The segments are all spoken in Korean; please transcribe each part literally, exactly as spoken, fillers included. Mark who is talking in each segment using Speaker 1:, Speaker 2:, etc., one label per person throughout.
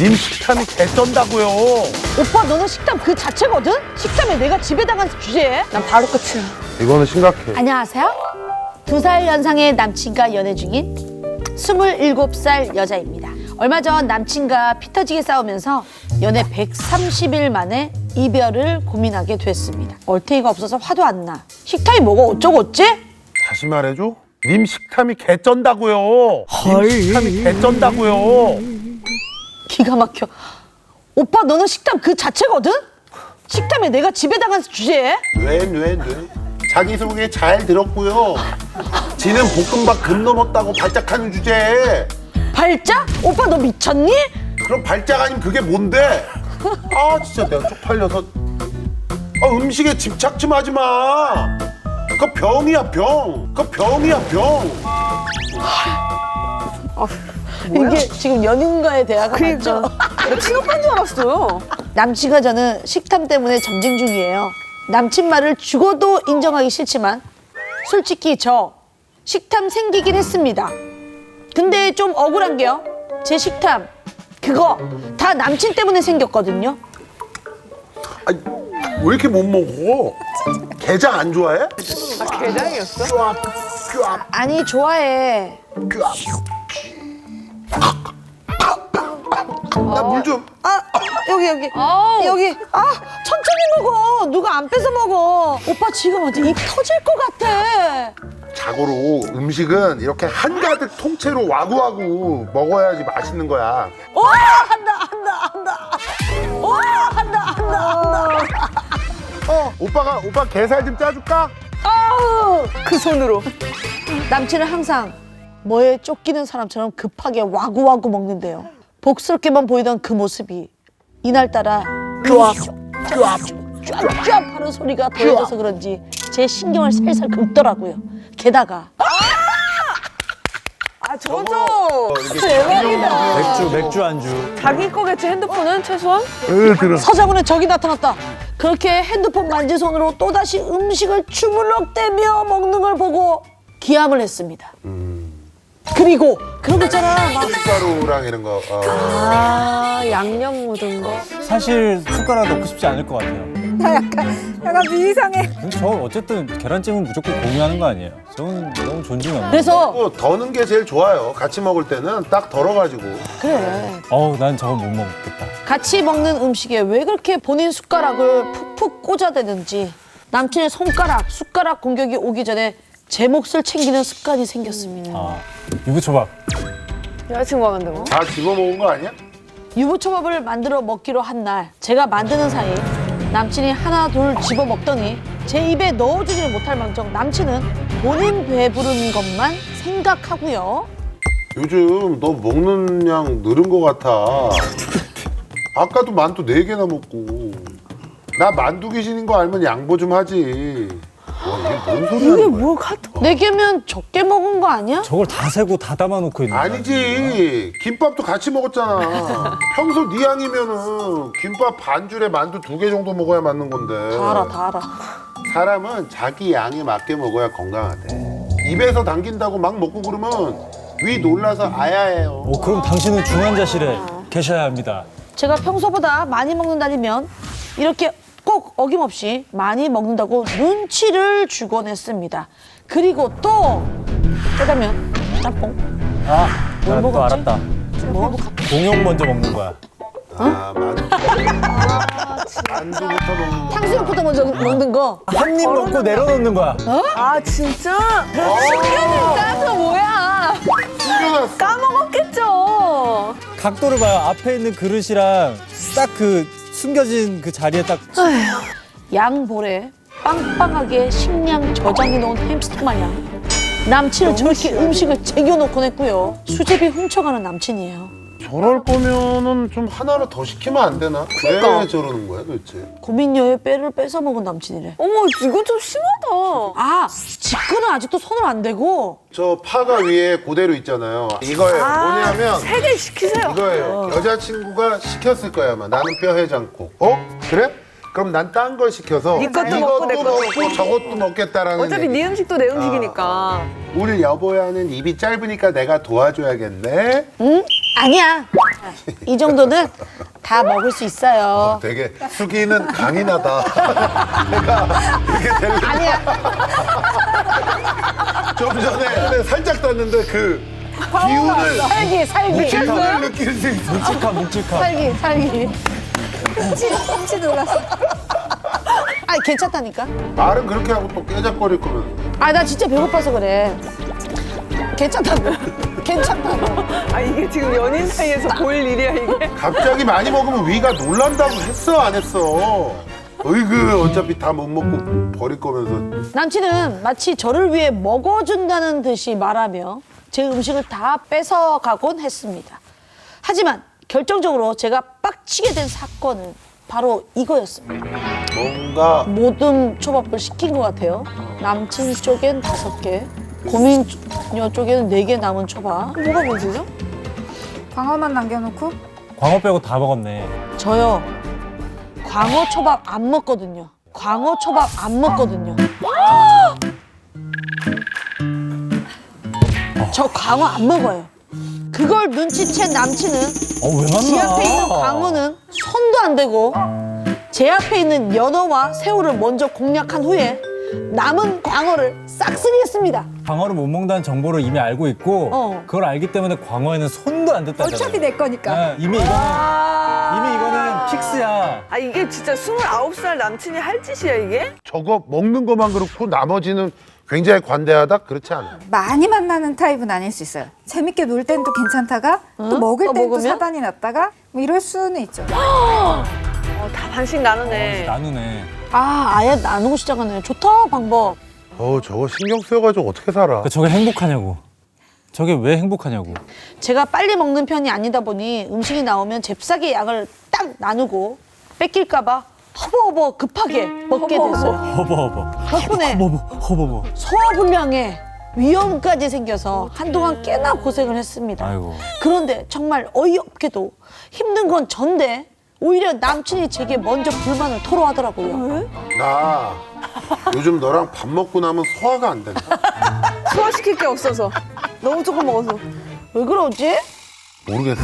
Speaker 1: 님 식탐이 개쩐다고요.
Speaker 2: 오빠 너는 식탐 그 자체거든? 식탐에 내가 지배당한 주제에?
Speaker 3: 난 바로 끝이야.
Speaker 1: 이거는 심각해.
Speaker 2: 안녕하세요. 두 살 연상의 남친과 연애 중인 스물일곱 살 여자입니다. 얼마 전 남친과 피 터지게 싸우면서 연애 백삼십 일 만에 이별을 고민하게 됐습니다. 얼탱이가 없어서 화도 안 나. 식탐이 뭐가 어쩌고 어째?
Speaker 1: 다시 말해줘. 님 식탐이 개쩐다고요. 님 식탐이 개쩐다고요.
Speaker 2: 기가 막혀. 오빠 너는 식탐 그 자체거든? 식탐에 내가 지배당한 주제에?
Speaker 4: 뇌뇌뇌 자기소개 잘 들었고요. 지는 볶음밥 금 넘었다고 발작하는 주제에
Speaker 2: 발작? 오빠 너 미쳤니?
Speaker 4: 그럼 발작 아니면 그게 뭔데? 아 진짜 내가 쪽팔려서 아, 음식에 집착 좀 하지 마. 그거 병이야 병. 그거 병이야 병.
Speaker 2: 이게 지금 연인과의 대화가 맞죠?
Speaker 3: 나 친오빠인 줄 알았어요.
Speaker 2: 남친과 저는 식탐 때문에 전쟁 중이에요. 남친 말을 죽어도 인정하기 싫지만 솔직히 저 식탐 생기긴 했습니다. 근데 좀 억울한 게요. 제 식탐 그거 다 남친 때문에 생겼거든요.
Speaker 4: 아니 왜 이렇게 못 먹어? 게장 안 좋아해?
Speaker 3: 아, 게장이었어?
Speaker 2: 아니 좋아해.
Speaker 4: 나 물 좀.
Speaker 2: 아 여기 여기
Speaker 3: 아우.
Speaker 2: 여기 아 천천히 먹어. 누가 안 뺏어 먹어. 오빠 지금 어디 입 터질 것 같아.
Speaker 4: 자고로 음식은 이렇게 한가득 통째로 와구와구 먹어야지 맛있는 거야.
Speaker 2: 와 한다 한다 한다. 와 한다 한다 한다.
Speaker 4: 어, 오빠가 오빠 게살 좀 짜줄까?
Speaker 2: 아우.
Speaker 3: 그 손으로.
Speaker 2: 남친은 항상 뭐에 쫓기는 사람처럼 급하게 와구와구 먹는데요. 복스럽게만 보이던 그 모습이 이날따라 쫙쫙쫙쫙 하는 소리가 더해져서 그런지 제 신경을 살살 긁더라고요. 게다가
Speaker 3: 아, 저거죠.
Speaker 4: 어, 이렇게
Speaker 2: 대박이다.
Speaker 5: 맥주, 맥주 안주.
Speaker 3: 자기 거겠지, 핸드폰은 최소한?
Speaker 2: 서장훈의 적이 나타났다. 그렇게 핸드폰 만진 손으로 또다시 음식을 주물럭대며 먹는 걸 보고 기함을 했습니다. 그리고 그런 거 있잖아. 막
Speaker 4: 숟가루랑 이런 거. 어.
Speaker 3: 아, 양념 묻은 거.
Speaker 5: 사실 숟가락 넣고 싶지 않을 것 같아요.
Speaker 3: 약간 비상해.
Speaker 5: 근데 저 어쨌든 계란찜은 무조건 공유하는 거 아니에요? 저는 너무 존중합니다.
Speaker 2: 그래서
Speaker 4: 어, 더는 게 제일 좋아요. 같이 먹을 때는 딱 덜어가지고.
Speaker 2: 그래.
Speaker 5: 어우, 난 저건 못 먹겠다.
Speaker 2: 같이 먹는 음식에 왜 그렇게 본인 숟가락을 푹푹 꽂아대는지 남친의 손가락, 숟가락 공격이 오기 전에 제 몫을 챙기는 습관이 생겼습니다.
Speaker 5: 아, 유부초밥.
Speaker 3: 여자친구가 만든 거?
Speaker 4: 다 집어 먹은 거 아니야?
Speaker 2: 유부초밥을 만들어 먹기로 한 날 제가 만드는 사이 남친이 하나 둘 집어 먹더니 제 입에 넣어주지를 못할 망정 남친은 본인 배부른 것만 생각하고요.
Speaker 4: 요즘 너 먹는 양 늘은 거 같아. 아까도 만두 네 개나 먹고. 나 만두 귀신인 거 알면 양보 좀 하지. 와, 이게 뭔 소리 하는 거야?
Speaker 3: 뭘 카톡?
Speaker 2: 네 개면 적게 먹은 거 아니야?
Speaker 5: 저걸 다 세고 다 담아놓고 있는 거
Speaker 4: 아니지. 김밥도 같이 먹었잖아. 평소 네 양이면은 김밥 반 줄에 만두 두 개 정도 먹어야 맞는 건데.
Speaker 2: 다 알아, 다 알아.
Speaker 4: 사람은 자기 양에 맞게 먹어야 건강하대. 입에서 당긴다고 막 먹고 그러면 위 놀라서 아야해요.
Speaker 5: 오, 그럼 당신은 중환자실에 계셔야 합니다.
Speaker 2: 제가 평소보다 많이 먹는다면 이렇게 꼭 어김없이 많이 먹는다고 눈치를 주곤 했습니다. 그리고 또 짜장면, 짬뽕,
Speaker 5: 아,
Speaker 2: 뭘
Speaker 5: 난 또
Speaker 2: 먹었지?
Speaker 5: 알았다.
Speaker 2: 뭐
Speaker 5: 공용 먼저 먹는 거야.
Speaker 4: 아, 만두. 만두부터 먹는 거.
Speaker 2: 탕수육부터 먼저 먹는 거.
Speaker 5: 한 입 먹고 내려놓는 거야.
Speaker 3: 아, 진짜? 신경을 따서 뭐야?
Speaker 4: 숨겨놨어.
Speaker 3: 까먹었겠죠.
Speaker 5: 각도를 봐요. 앞에 있는 그릇이랑 딱 그 숨겨진 그 자리에 딱.
Speaker 2: 양볼에 빵빵하게 식량 저장해 놓은 햄스터 마냥 남친은 저렇게 음식을 쟁여놓곤 했고요. 수제비 훔쳐가는 남친이에요.
Speaker 4: 저럴 거면은 좀 하나를 더 시키면 안 되나? 왜
Speaker 3: 그러니까.
Speaker 4: 저러는 거야 도대체?
Speaker 2: 고민녀의 뼈를 뺏어 먹은 남친이래.
Speaker 3: 어머, 이건 좀 심하다.
Speaker 2: 아, 직구는 아직도 손을 안 대고
Speaker 4: 저 파가 위에 그대로 있잖아요. 이거예요. 뭐냐면
Speaker 3: 세 개 시키세요.
Speaker 4: 이거예요. 여자친구가 시켰을 거야 아마. 나는 뼈 해장국. 어? 그래? 그럼 난 딴 걸 시켜서
Speaker 3: 네 것도
Speaker 4: 이것도
Speaker 3: 먹고 내 것도 먹고.
Speaker 4: 저것도 먹겠다라는
Speaker 3: 어차피
Speaker 4: 얘기.
Speaker 3: 네 음식도 내 음식이니까.
Speaker 4: 우리 여보야는 입이 짧으니까 내가 도와줘야겠네.
Speaker 2: 응? 아니야. 이 정도는 다 먹을 수 있어요.
Speaker 4: 되게 수기는 강인하다. 내가 이렇게 될
Speaker 2: 아니야.
Speaker 4: 좀 전에 살짝 땄는데 그 기운을
Speaker 2: 살기, 살기.
Speaker 4: 기운을 느낄 수 있어.
Speaker 5: 묵직함 묵직함.
Speaker 2: 살기, 살기.
Speaker 3: 훔치 놀랐어.
Speaker 2: 아, 괜찮다니까.
Speaker 4: 말은 그렇게 하고 또 깨작거릴 거면
Speaker 2: 아, 나 진짜 배고파서 그래. 괜찮다고. 괜찮다고.
Speaker 3: 아 이게 지금 연인 사이에서 보일 일이야 이게?
Speaker 4: 갑자기 많이 먹으면 위가 놀란다고 했어 안 했어? 어이구 어차피 다 못 먹고 버릴 거면서
Speaker 2: 남친은 마치 저를 위해 먹어준다는 듯이 말하며 제 음식을 다 뺏어가곤 했습니다. 하지만 결정적으로 제가 빡치게 된 사건은 바로 이거였습니다.
Speaker 4: 뭔가
Speaker 2: 모듬 초밥을 시킨 것 같아요. 남친 쪽엔 다섯 개, 고민녀 쪽에는 네 개 남은 초밥.
Speaker 3: 뭐가 문제죠?
Speaker 6: 광어만 남겨놓고
Speaker 5: 광어 빼고 다 먹었네.
Speaker 2: 저요, 광어 초밥 안 먹거든요. 광어 초밥 안 먹거든요. 저 광어 안 먹어요. 그걸 눈치챈 남친은
Speaker 5: 어왜 만나?
Speaker 2: 지 앞에 있는 광어는 손도 안 대고 제 앞에 있는 연어와 새우를 먼저 공략한 후에 남은 광어를 싹쓸이했습니다.
Speaker 5: 광어를 못 먹는다는 정보를 이미 알고 있고
Speaker 2: 어.
Speaker 5: 그걸 알기 때문에 광어에는 손도 안 댔다잖아요.
Speaker 6: 어차피 내 거니까.
Speaker 5: 네, 이미 이거는
Speaker 2: 아~
Speaker 5: 이미 이거는 픽스야.
Speaker 3: 아 이게 진짜 스물아홉 살 남친이 할 짓이야 이게?
Speaker 4: 저거 먹는 것만 그렇고 나머지는 굉장히 관대하다? 그렇지 않아요.
Speaker 6: 많이 만나는 타입은 아닐 수 있어요. 재밌게 놀 땐 또 괜찮다가 또 먹을
Speaker 2: 또
Speaker 6: 땐 또
Speaker 2: 먹으면?
Speaker 6: 사단이 났다가 뭐 이럴 수는 있죠.
Speaker 3: 어, 다 반씩 나누네.
Speaker 5: 나누네.
Speaker 2: 아, 아예 나누고 시작하네. 좋다, 방법.
Speaker 4: 어 저거 신경 쓰여가지고 어떻게 살아?
Speaker 5: 그러니까 저게 행복하냐고. 저게 왜 행복하냐고.
Speaker 2: 제가 빨리 먹는 편이 아니다 보니 음식이 나오면 잽싸게 양을 딱 나누고 뺏길까봐 허버허버 급하게 먹게 됐어요.
Speaker 5: 허버허버.
Speaker 2: 덕분에
Speaker 5: 허버허버. 허버허버.
Speaker 2: 소화불량에 위험까지 생겨서 한동안 꽤나 고생을 했습니다.
Speaker 5: 아이고.
Speaker 2: 그런데 정말 어이없게도 힘든 건 전데 오히려 남친이 제게 먼저 불만을 토로하더라고요.
Speaker 4: 나 요즘 너랑 밥 먹고 나면 소화가 안 된다.
Speaker 3: 소화시킬 게 없어서 너무 조금 먹어서.
Speaker 2: 왜 그러지?
Speaker 4: 모르겠어?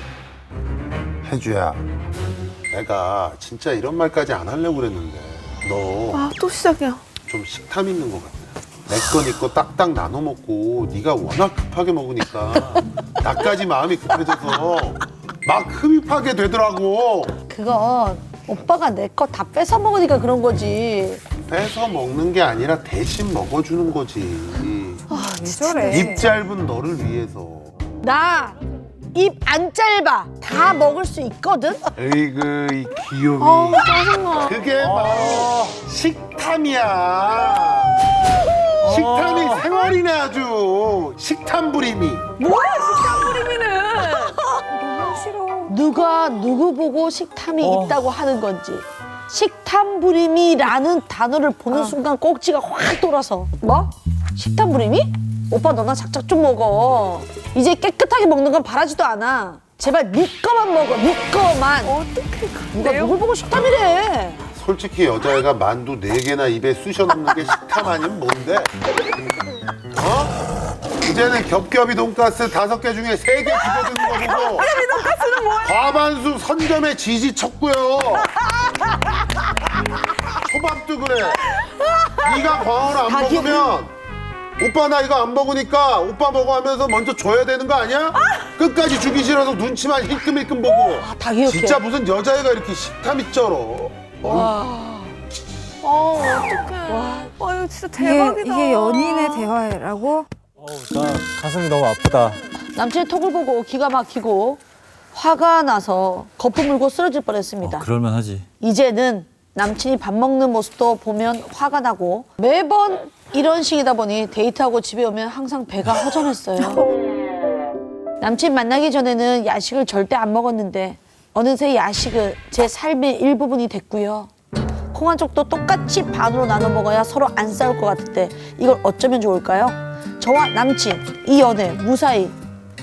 Speaker 4: 혜주야, 내가 진짜 이런 말까지 안 하려고 그랬는데 너
Speaker 3: 아 또 시작이야.
Speaker 4: 좀 식탐 있는 것 같아. 내 거 네 거 딱딱 나눠 먹고 네가 워낙 급하게 먹으니까 나까지 마음이 급해져서 막 흡입하게 되더라고.
Speaker 2: 그건 오빠가 내 거 다 뺏어 먹으니까 그런 거지.
Speaker 4: 뺏어 먹는 게 아니라 대신 먹어주는 거지.
Speaker 6: 왜 저래?
Speaker 4: 입 짧은 너를 위해서.
Speaker 2: 나 입 안 짧아. 다 먹을 수 있거든.
Speaker 4: 에이그 이 귀요미.
Speaker 2: 어우, 짜증나.
Speaker 4: 그게 바로 식탐이야. 식탐이 생활이네 아주. 식탐 부림이.
Speaker 3: 뭐야 식탐 부리미는?
Speaker 6: 너무 싫어.
Speaker 2: 누가 누구 보고 식탐이
Speaker 5: 어.
Speaker 2: 있다고 하는 건지. 식탐부림이라는 단어를 보는 순간 꼭지가 확 돌아서. 뭐? 식탐부림이? 오빠 너나 작작 좀 먹어. 이제 깨끗하게 먹는 건 바라지도 않아. 제발 네 거만 먹어. 네 거만.
Speaker 3: 어떻게
Speaker 2: 누가
Speaker 3: 내용?
Speaker 2: 누굴 보고 식탐이래.
Speaker 4: 솔직히 여자애가 만두 네 개나 입에 쑤셔 넣는 게 식탐 아니면 뭔데? 어? 이제는 겹겹이 돈가스 다섯 개 중에 세 개 집어드는 거 보고 겹겹이 돈가스는 뭐야? 과반수 선점에 지지 쳤고요. 초밥도 그래. 네가 광어를 안
Speaker 2: 다
Speaker 4: 먹으면 오빠 나 이거 안 먹으니까 오빠 먹어 하면서 먼저 줘야 되는 거 아니야? 끝까지 주기 싫어서 눈치만 힐끔힐끔 보고.
Speaker 2: 아, 다 기억해.
Speaker 4: 진짜 무슨 여자애가 이렇게 식탐이 쩔어.
Speaker 2: 와.
Speaker 3: 어 어떡해. 와 이거 진짜
Speaker 6: 이게,
Speaker 3: 대박이다.
Speaker 6: 이게 연인의 대화라고?
Speaker 5: 어우, 나 가슴이 너무 아프다.
Speaker 2: 남친의 톡을 보고 기가 막히고 화가 나서 거품 물고 쓰러질 뻔했습니다.
Speaker 5: 어, 그럴만 하지.
Speaker 2: 이제는 남친이 밥 먹는 모습도 보면 화가 나고 매번 이런 식이다 보니 데이트하고 집에 오면 항상 배가 허전했어요. 남친 만나기 전에는 야식을 절대 안 먹었는데 어느새 야식은 제 삶의 일부분이 됐고요. 콩 한 쪽도 똑같이 반으로 나눠 먹어야 서로 안 싸울 것 같은데 이걸 어쩌면 좋을까요? 저와 남친, 이 연애 무사히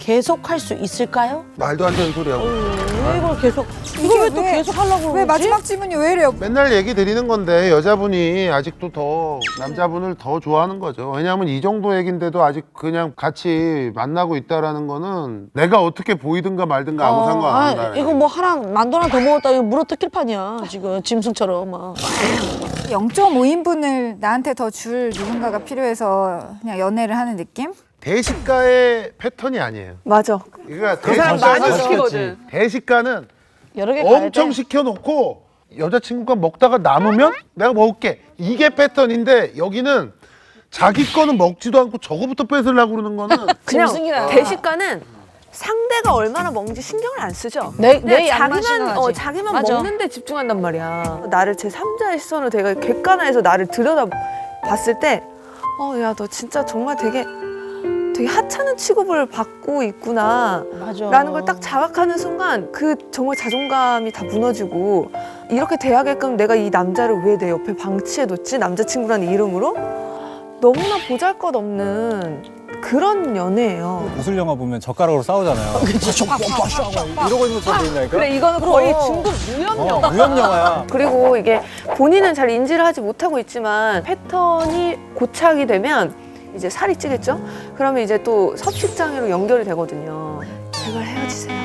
Speaker 2: 계속 할 수 있을까요?
Speaker 1: 말도 안 되는 소리야.
Speaker 2: 왜 이걸 계속 이걸 왜 또
Speaker 6: 왜-
Speaker 2: 계속 하려고 그러지?
Speaker 6: 왜 마지막 질문이 왜 이래요?
Speaker 1: 맨날 얘기 드리는 건데 여자분이 아직도 더 남자분을 더 좋아하는 거죠. 왜냐하면 이 정도 얘긴데도 아직 그냥 같이 만나고 있다라는 거는 내가 어떻게 보이든가 말든가 아무 상관 안
Speaker 2: 아,
Speaker 1: 한다.
Speaker 2: 이거 뭐 하랑 만두 하나 더 먹었다 이거 물어 뜯길 판이야 지금 짐승처럼 막.
Speaker 6: 영 점 오 인분을 나한테 더 줄 누군가가 필요해서 그냥 연애를 하는 느낌?
Speaker 1: 대식가의 패턴이 아니에요.
Speaker 3: 맞아.
Speaker 1: 그러니까
Speaker 3: 그 사람 많이
Speaker 1: 대식가는-
Speaker 3: 시키거든.
Speaker 1: 대식가는
Speaker 2: 여러 개 가야
Speaker 1: 엄청
Speaker 2: 돼.
Speaker 1: 시켜놓고 여자친구가 먹다가 남으면 내가 먹을게. 이게 패턴인데 여기는 자기 거는 먹지도 않고 저거부터 뺏으려고 그러는 거는
Speaker 3: 그냥
Speaker 2: 짐승이라.
Speaker 3: 대식가는 상대가 얼마나 먹는지 신경을 안 쓰죠.
Speaker 2: 내-
Speaker 3: 그냥
Speaker 2: 내 양만
Speaker 3: 자기만 어,
Speaker 2: 신경하지.
Speaker 3: 자기만
Speaker 2: 맞아.
Speaker 3: 먹는데 집중한단 말이야. 나를 제 삼자의 시선으로 내가 객관화해서 나를 들여다 봤을 때, 어, 야, 너 진짜 정말 되게 되게 하찮은 취급을 받고 있구나.
Speaker 2: 맞아.
Speaker 3: 라는 걸 딱 자각하는 순간 그 정말 자존감이 다 무너지고 이렇게 돼야게끔 내가 이 남자를 왜 내 옆에 방치해뒀지? 남자친구라는 이름으로? 너무나 보잘것없는 그런 연애예요.
Speaker 5: 무술 영화 보면 젓가락으로 싸우잖아요. 이러고 있는 것처럼 보인다니까?
Speaker 3: 그래 이거는 거의 중국 무협 영화.
Speaker 5: 어, 무협 영화야.
Speaker 3: 그리고 이게 본인은 잘 인지를 하지 못하고 있지만 패턴이 고착이 되면 이제 살이 찌겠죠? 그러면 이제 또 섭식장애로 연결이 되거든요. 제발 헤어지세요.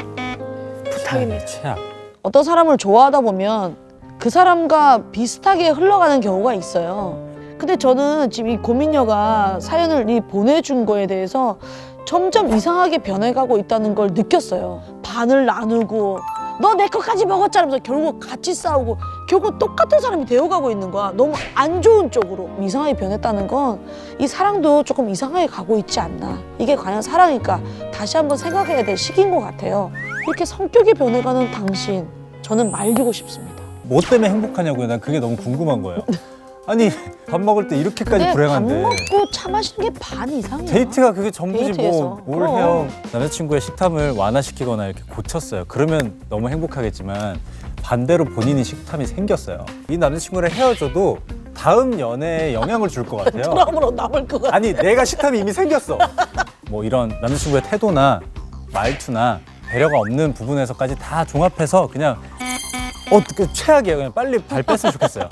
Speaker 3: 부탁입니다.
Speaker 5: 최악.
Speaker 2: 어떤 사람을 좋아하다 보면 그 사람과 비슷하게 흘러가는 경우가 있어요. 근데 저는 지금 이 고민녀가 사연을 이 보내준 거에 대해서 점점 이상하게 변해가고 있다는 걸 느꼈어요. 반을 나누고 너 내 것까지 먹었잖아 하면서 결국 같이 싸우고 결국 똑같은 사람이 되어가고 있는 거야. 너무 안 좋은 쪽으로 이상하게 변했다는 건 이 사랑도 조금 이상하게 가고 있지 않나. 이게 과연 사랑일까? 다시 한번 생각해야 될 시기인 것 같아요. 이렇게 성격이 변해가는 당신 저는 말리고 싶습니다.
Speaker 5: 뭐 때문에 행복하냐고요? 난 그게 너무 궁금한 거예요. 아니 밥 먹을 때 이렇게까지
Speaker 2: 근데 밥
Speaker 5: 불행한데
Speaker 2: 먹고 차 마시는 게 반 이상이야.
Speaker 5: 데이트가 그게 전부지
Speaker 2: 데이트에서.
Speaker 5: 뭐 뭘
Speaker 2: 그럼.
Speaker 5: 해요. 남자친구의 식탐을 완화시키거나 이렇게 고쳤어요. 그러면 너무 행복하겠지만 반대로 본인이 식탐이 생겼어요. 이 남자친구랑 헤어져도 다음 연애에 영향을 줄 것 같아요.
Speaker 2: 트라우마로 남을 것 같아.
Speaker 5: 아니 내가 식탐이 이미 생겼어. 뭐 이런 남자친구의 태도나 말투나 배려가 없는 부분에서까지 다 종합해서 그냥 어, 그 최악이에요. 그냥 빨리 발 뺐으면 좋겠어요.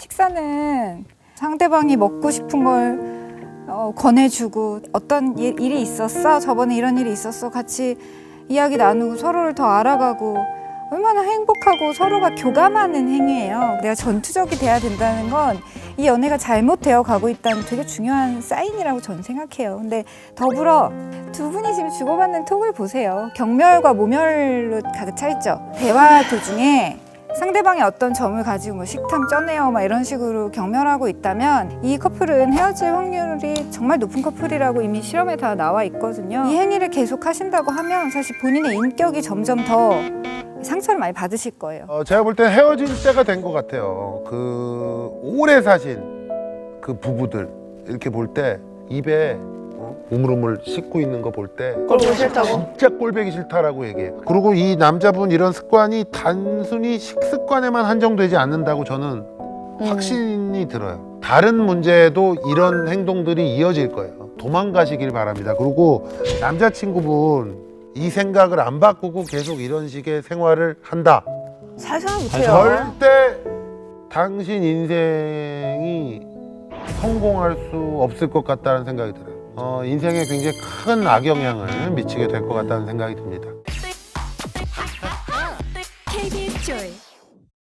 Speaker 6: 식사는 상대방이 먹고 싶은 걸 어, 권해주고 어떤 일, 일이 있었어? 저번에 이런 일이 있었어? 같이 이야기 나누고 서로를 더 알아가고 얼마나 행복하고 서로가 교감하는 행위예요. 내가 전투적이 돼야 된다는 건 이 연애가 잘못되어 가고 있다는 되게 중요한 사인이라고 저는 생각해요. 근데 더불어 두 분이 지금 주고받는 톡을 보세요. 경멸과 모멸로 가득 차 있죠. 대화 도중에 상대방이 어떤 점을 가지고 뭐 식탐 쩌네요 막 이런 식으로 경멸하고 있다면 이 커플은 헤어질 확률이 정말 높은 커플이라고 이미 실험에 다 나와 있거든요. 이 행위를 계속 하신다고 하면 사실 본인의 인격이 점점 더 상처를 많이 받으실 거예요.
Speaker 1: 어, 제가 볼 땐 헤어질 때가 된 것 같아요. 그 오래 사신 그 부부들 이렇게 볼 때 입에 어? 우물우물 씻고 있는 거 볼 때
Speaker 3: 꼴보기 싫다고?
Speaker 1: 진짜 꼴보기 싫다라고 얘기해요. 그리고 이 남자분 이런 습관이 단순히 식습관에만 한정되지 않는다고 저는 확신이 들어요. 다른 문제에도 이런 행동들이 이어질 거예요. 도망가시길 바랍니다. 그리고 남자친구분 이 생각을 안 바꾸고 계속 이런 식의 생활을 한다.
Speaker 3: 살살 못해요.
Speaker 1: 절대 당신 인생이 성공할 수 없을 것 같다는 생각이 들어요. 어, 인생에 굉장히 큰 악영향을 미치게 될 것 같다는 생각이 듭니다.
Speaker 7: 케이비에스 조이